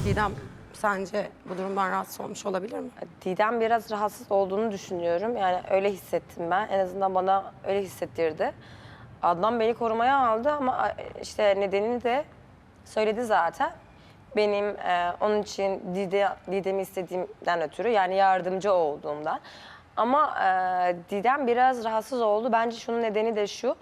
Didem sence bu durumdan rahatsız olmuş olabilir mi? Didem biraz rahatsız olduğunu düşünüyorum. Yani öyle hissettim ben. En azından bana öyle hissettirdi. Adnan beni korumaya aldı ama işte nedenini de söyledi zaten. Benim onun için Didem'i istediğimden ötürü, yani yardımcı olduğumdan. Ama Didem biraz rahatsız oldu. Bence şunun nedeni de şu.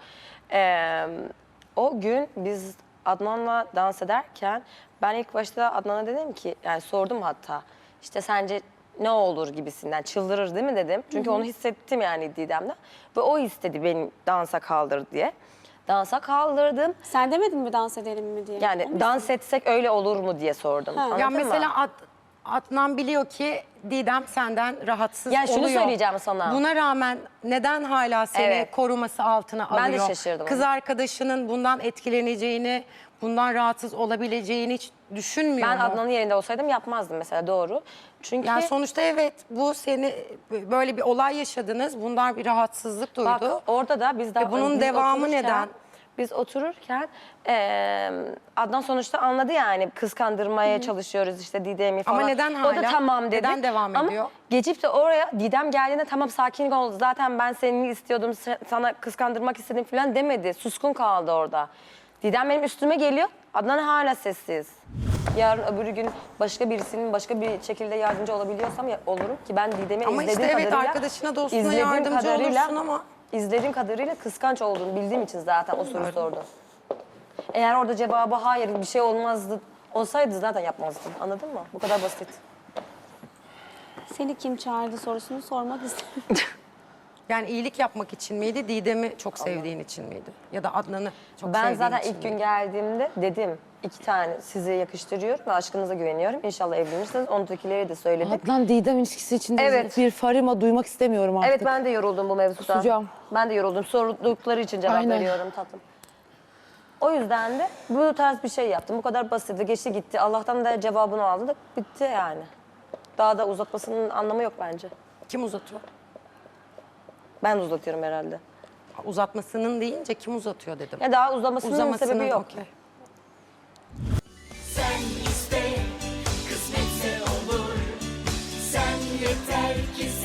O gün biz Adnan'la dans ederken ben ilk başta Adnan'a dedim ki, yani sordum hatta, işte sence ne olur gibisinden, çıldırır değil mi dedim. Çünkü onu hissettim yani Didem'den. Ve o istedi beni dansa kaldır diye. Dansa kaldırdım. Sen demedin mi dans edelim mi diye? Yani dans etsek öyle olur mu diye sordum. Anladın Ya mı? mesela Adnan biliyor ki Didem senden rahatsız Yani şunu oluyor. söyleyeceğim sana. Buna rağmen neden hala seni Evet. koruması altına alıyor? Ben de şaşırdım. Kız arkadaşının bundan etkileneceğini, bundan rahatsız olabileceğini hiç düşünmüyor Ben mu? Adnan'ın yerinde olsaydım yapmazdım mesela, doğru. Çünkü Yani sonuçta evet, bu seni böyle bir olay yaşadınız. Bundan bir rahatsızlık duydu. bak orada da biz daha bunun biz devamı otururken- neden? Biz otururken Adnan sonuçta anladı yani, kıskandırmaya çalışıyoruz işte Didem'i falan. Ama neden O da hala? tamam dedi. Neden devam ediyor? Ama geçip de oraya Didem geldiğinde tamam sakin ol, zaten ben seni istiyordum, sana kıskandırmak istedim falan demedi. Suskun kaldı orada. Didem benim üstüme geliyor, Adnan hala sessiz. Yarın öbür gün başka birisinin başka bir şekilde yardımcı olabiliyorsam olurum ki ben Didem'i Ama izlediğim işte evet, kadarıyla... arkadaşına, dostuna izlediğim yardımcı olursun ama... İzlediğim kadarıyla kıskanç olduğunu bildiğim için zaten o soruyu sordum. Eğer orada cevabı hayır bir şey olmazdı olsaydı zaten yapmazdım. Anladın mı? Bu kadar basit. Seni kim çağırdı sorusunu sormak istedim. Yani iyilik yapmak için miydi, Didem'i çok sevdiğin için miydi? Ya da Adnan'ı çok Ben sevdiğin zaten için ilk gün miydi? geldiğimde dedim 2 tane size yakıştırıyorum ve aşkınıza güveniyorum. İnşallah evlenirsiniz. Ondakileri de söyledim. Adnan Didem ilişkisi içinde Evet. bir farima duymak istemiyorum artık. Evet, ben de yoruldum bu mevzudan. Kusacağım. Ben de yoruldum. Sordukları için cevap Aynen. veriyorum tatlım. O yüzden de bu tarz bir şey yaptım. Bu kadar basitti. Geçti gitti. Allah'tan da cevabını aldı da bitti yani. Daha da uzatmasının anlamı yok bence. Kim uzatıyor? Ben de uzatıyorum herhalde. Uzatmasının deyince kim uzatıyor dedim. Ya daha uzamasının sebebi yok. okey. Sen iste, kısmetse olur. Sen yeter ki